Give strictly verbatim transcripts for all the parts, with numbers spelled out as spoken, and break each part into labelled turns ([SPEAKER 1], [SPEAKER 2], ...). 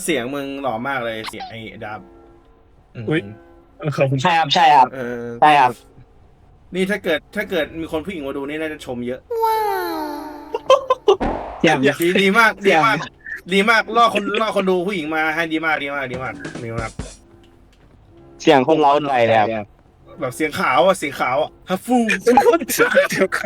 [SPEAKER 1] เสียงมึงหล่อมากเลยเสียงไอ้ดับ
[SPEAKER 2] อุ๊ย ขอบคุณ
[SPEAKER 3] ใช่ครับใช่ครับ
[SPEAKER 1] เออ
[SPEAKER 3] ใช่ครับ
[SPEAKER 1] นี่ถ้าเกิดถ้าเกิดมีคนผู้หญิงมาดูนี่น่าจะชมเยอะ
[SPEAKER 3] เสียง
[SPEAKER 1] ดีดีมากดีมากดีมากล่อคนล่อคนดูผู้หญิงมาให้ดีมากดีมากดีมากดีมาก
[SPEAKER 3] เสียงคนเล้าใจเลยครับ
[SPEAKER 1] แบบเสียงขาวอ่ะเสียงขาวอ่ะฮัฟฟู
[SPEAKER 2] เดี๋ยวค่ะ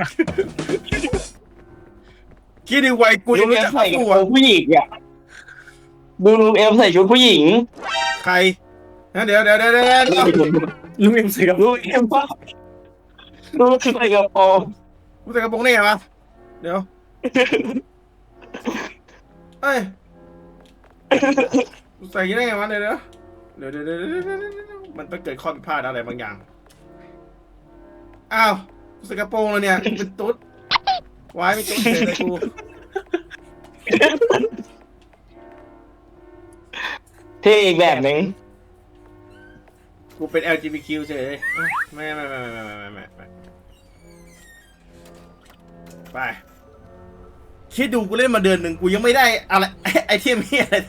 [SPEAKER 1] คิดดีไว้กู
[SPEAKER 3] ลุ
[SPEAKER 1] ยัง
[SPEAKER 3] ง
[SPEAKER 1] รู้
[SPEAKER 3] เอ็ม
[SPEAKER 1] จักฮั
[SPEAKER 3] ใส่
[SPEAKER 1] ฟ
[SPEAKER 3] ก
[SPEAKER 1] ฟู
[SPEAKER 3] ระโปร
[SPEAKER 1] อ่ะ
[SPEAKER 3] งผู้หญิงอ่ะดูลุงเอ็มใส่ชุดผู้หญิง
[SPEAKER 1] ใครนะเดี๋ยวเดี๋ยวเดี๋ยวเดี๋ยวเดี๋ยว
[SPEAKER 2] ลุงเอ็มใส่กับ
[SPEAKER 3] ลุงเอ็มว่าลุงใส่กระโปรง
[SPEAKER 1] กูใส่กระโปรงได้ไงวะเดี๋ยวเอ้ยกูใส่อยังไงไงวะเดี๋ยวเดี๋ยวเดี๋ยวเดี๋ยวเดี๋ยวเดี๋ยวเดี๋ยวมันต้องเกิดข้อผิดพลาดอะไรบางอย่างอ้าวกูใส่กระโปรงแล้วเนี่ยกูเป็นตุ๊ดไว้ไม่ตุ๊ดเฉยเลยกู
[SPEAKER 3] เท่อีกแบบหนึ่ง
[SPEAKER 1] กูเป็น แอล จี บี ที คิว เฉยเลยไม่ไม่ไม่ไม่ไม่ไม่ไม่ไม่ไปคิดดูกูเล่นมาเดือนหนึ่งกูยังไม่ได้อะไรไอเทมเฮียอะไร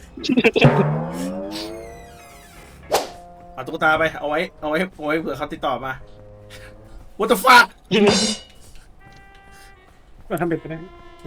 [SPEAKER 1] เอาตุ๊กตาไปเอาไว้เอาไว้เอาไว้เผื่อเขาติดต่อมา What the fuck
[SPEAKER 2] มาทำเป็นไปได้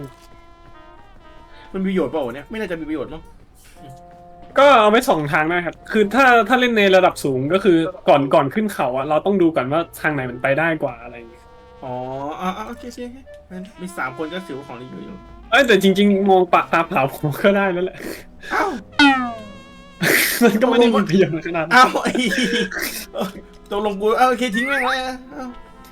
[SPEAKER 1] มันมีประโยชน์เปล่าวะเนี่ยไม่น่าจะมีประโยชน์มั้ง
[SPEAKER 2] ก็เอาไว้สองทางนะครับคือถ้าถ้าเล่นในระดับสูงก็คือก่อนก่อนขึ้นเขาอะเราต้องดูก่อนว่าทางไหนมันไปได้กว่าอะไรอย่างเงี้ย
[SPEAKER 1] อ๋ออ่าโอเคโอเคโอเคมีสามคนก็ถือว่าของดีอยู่
[SPEAKER 2] เอ้ยแต่จริง ๆ มองปะตาเปล่าผมก็ได้แล้วแหละ
[SPEAKER 1] อ้าว
[SPEAKER 2] มันก็ไม่ได้มีประโยชน์ขนาดนั้น
[SPEAKER 1] อ้าวไอ้ตกลงกูเอาโอเคทิ้งแม่งไว้อะอ้าว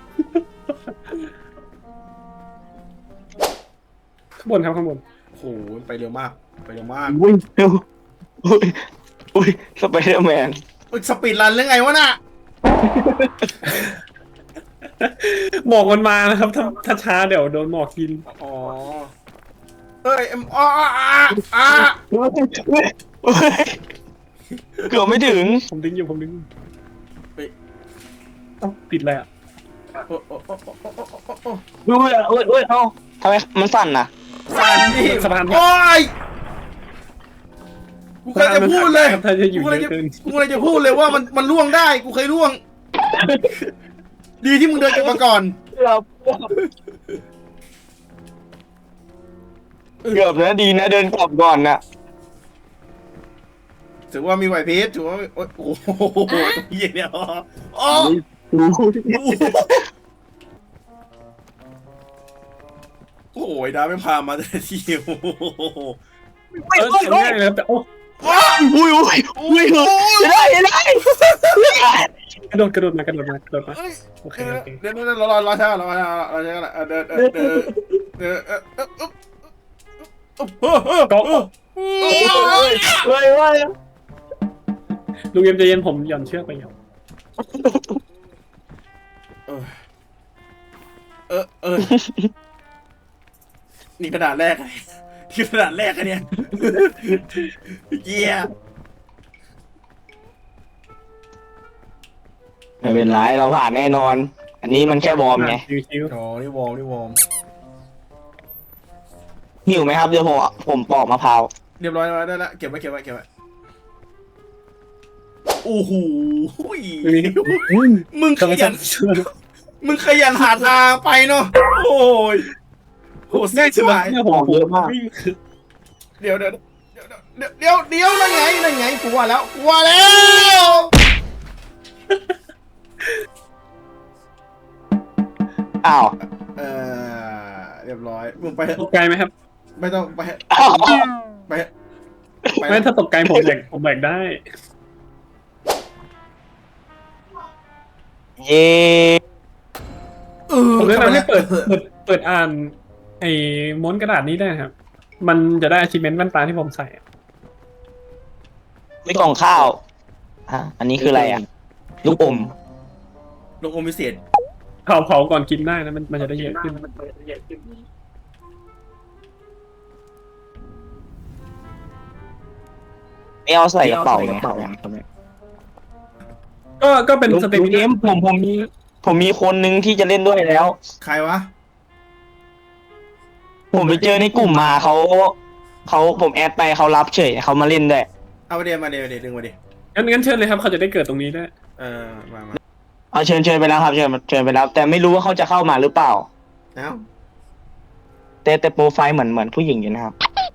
[SPEAKER 2] ข้างบนครับข้างบน
[SPEAKER 1] โอ้โหไปเร็วมากไปเร็วมาก
[SPEAKER 3] อุ้ยอุ้ยอุ้ยสไปเดอร์แมน
[SPEAKER 1] เอ้ยสปีดรันเรื่องไงวะน่ะ
[SPEAKER 2] หมอกมันมานะครับถ้าถ้าช้าเดี๋ยวโดนหมอกกิน
[SPEAKER 1] อ๋อเอ้ยเอ็มอ๋ออ่าอ่า
[SPEAKER 3] เกือบไม่ถึง
[SPEAKER 2] ผมดึงอยู่ผมดึงอยู่
[SPEAKER 1] เฮ้ย
[SPEAKER 2] เอ้าติดอะไรอะ
[SPEAKER 1] โอ้โอ้โอ้โอ้โอ้โอ้โอ้โอ้
[SPEAKER 3] อุ้ยอุ้ยอุ้ยเอ้าทำไมมันสั่นน่ะ
[SPEAKER 1] สั่นดิ
[SPEAKER 2] สะพาน
[SPEAKER 1] โอ้ยกูเคยจะพูดเลย
[SPEAKER 2] ครับถ้าจะอยู่
[SPEAKER 1] กู
[SPEAKER 2] เย
[SPEAKER 1] เลย
[SPEAKER 2] อะ
[SPEAKER 1] จะ
[SPEAKER 2] เกิน
[SPEAKER 1] กูเลยจะพูดเลยว่ามันมันล่วงได้กูเคยล่วง ดีที่มึงเดินกลับมาก่อน
[SPEAKER 3] เกือบนะดีนะเดินกลับก่อนน่ะ
[SPEAKER 1] ถือว่ามีไหวพริบถือว่ามีโอ้ยโอ้โหเหี้ยเนี่ยอ๋ออ๋อโอ้ยดาไม่พามาแต่ทีโอ้โห
[SPEAKER 2] เออทำง่ายเลยครับแต่โอ้
[SPEAKER 3] อุ้ยอุ้ยอุ้ยได้ได้ได้
[SPEAKER 2] กระโดดกระโดดมากระโดดมากระโดดมา
[SPEAKER 1] เอ้ย
[SPEAKER 2] โอเค
[SPEAKER 1] เดี๋ยว
[SPEAKER 2] โอเค
[SPEAKER 1] เดี๋ยวเดี๋ยวรอรอรอช้ารอช้ารอช้าเดินเดินเดินเดินเออเออเออเออเออ
[SPEAKER 2] ก็
[SPEAKER 1] เออ
[SPEAKER 3] เฮ้ยว่า
[SPEAKER 2] ลุงเอ็มใจเย็นผมหย่อนเชือกไปหย่อน
[SPEAKER 1] เออเออนี่กระดาษแรกนี่กระดาษแรกอะเนี่ยเยี่ย
[SPEAKER 3] ไม่เป็นไรเราผ่านแน่นอน อันนี้มันแค่วอร์มไง
[SPEAKER 2] ชิว
[SPEAKER 1] อ๋อนี่วอร์มนี่วอร์ม
[SPEAKER 3] หิวไหมครับเดี๋ยวผมผมปอกมะพร้าว
[SPEAKER 1] เรียบร้อยแล้วได้ละเก็บไว้เก็บไว้เก็บไว้โอ้โห
[SPEAKER 2] ๆ
[SPEAKER 1] มึงข
[SPEAKER 2] ทำไม
[SPEAKER 1] ยั
[SPEAKER 2] ฉั
[SPEAKER 1] น
[SPEAKER 2] น
[SPEAKER 1] มึงขยันหาทางไปเนาะโอ้ยโห
[SPEAKER 2] ง่าย
[SPEAKER 1] ชิ
[SPEAKER 2] สุ
[SPEAKER 1] บ
[SPEAKER 2] ด
[SPEAKER 1] หาย
[SPEAKER 2] เนี่ยผมผมวิ่ง
[SPEAKER 1] เดี๋ยวเดี๋ยวเดี๋ยวเดี๋ยวเดี๋ยวเดี๋ยวนั่นไงนั่นไงกูว่าแล้วกูว่าแล้ว
[SPEAKER 3] อ้าว
[SPEAKER 1] เออเรียบร้อยมึงไป
[SPEAKER 2] ตกไกลไหมครับ
[SPEAKER 1] ไม่ต้องไป
[SPEAKER 3] อ้าว
[SPEAKER 1] ไปไป
[SPEAKER 2] ไม่ถ้าตกไกลผมแบกผมแบกได้
[SPEAKER 3] เย้
[SPEAKER 1] เออ
[SPEAKER 2] ผมแนะนำให้เปิดเปิดเปิดอ่านไอ้ม้วนกระดาษนี้ได้ครับ มันจะได้ achievement แว่นตาที่ผมใส่อะ
[SPEAKER 3] ไม่กล่องข้าวอ่ะอันนี้คืออะไรอ่ะลูกอม
[SPEAKER 1] ลงอมพิเศษ
[SPEAKER 2] เผาเผาก่อนกินได้นะมันมันจะได้เยอะขึ้น
[SPEAKER 3] ไม่เอาใส่กระเป๋าไง
[SPEAKER 2] ก็ก็เป็น
[SPEAKER 3] ลุง
[SPEAKER 2] สเต
[SPEAKER 3] ลุ
[SPEAKER 2] มิ
[SPEAKER 3] งเอ็
[SPEAKER 2] นาม
[SPEAKER 3] ผมผมมีผมมีคนนึงที่จะเล่นด้วยแล้ว
[SPEAKER 1] ใครวะ
[SPEAKER 3] ผมไปเจอในกลุ่มมาเขาเขาผมแอดไปเขารับเฉยเขามาเล่นด้วย
[SPEAKER 1] เอาเดี๋ยวมาเดี๋ยวเดี๋ยวดึงมาดิ
[SPEAKER 2] งั้นงั้นเชิญเลยครับเขาจะได้เกิดตรงนี้ได้วย
[SPEAKER 1] เออมามา
[SPEAKER 3] เอาเชิญเชิญไปแล้วครับเชิญเชิญไปแล้ว แต่ไม่รู้ว่าเขาจะเข้ามาหรือเปล่า
[SPEAKER 1] เอ้า
[SPEAKER 3] แต่แต่โปรไฟล์เหมือนเหมือนผู้หญิงอยู่นะครับ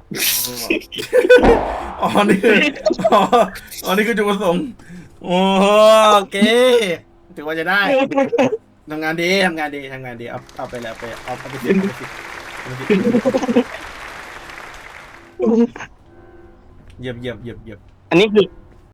[SPEAKER 1] อ๋อนี่คืออ๋ออ๋อนี่คือจุดประสงค์โอ้โอเคถือว่าจะได้ทำงานดีทำงานดีทำงานดีเอาเอาไปแล้วไปเอาเอาไปสิเอาไปสิเอาไปสิเยี่ยมเยี่ยมเยี่ยมเยี่ยม
[SPEAKER 3] อันนี้คือ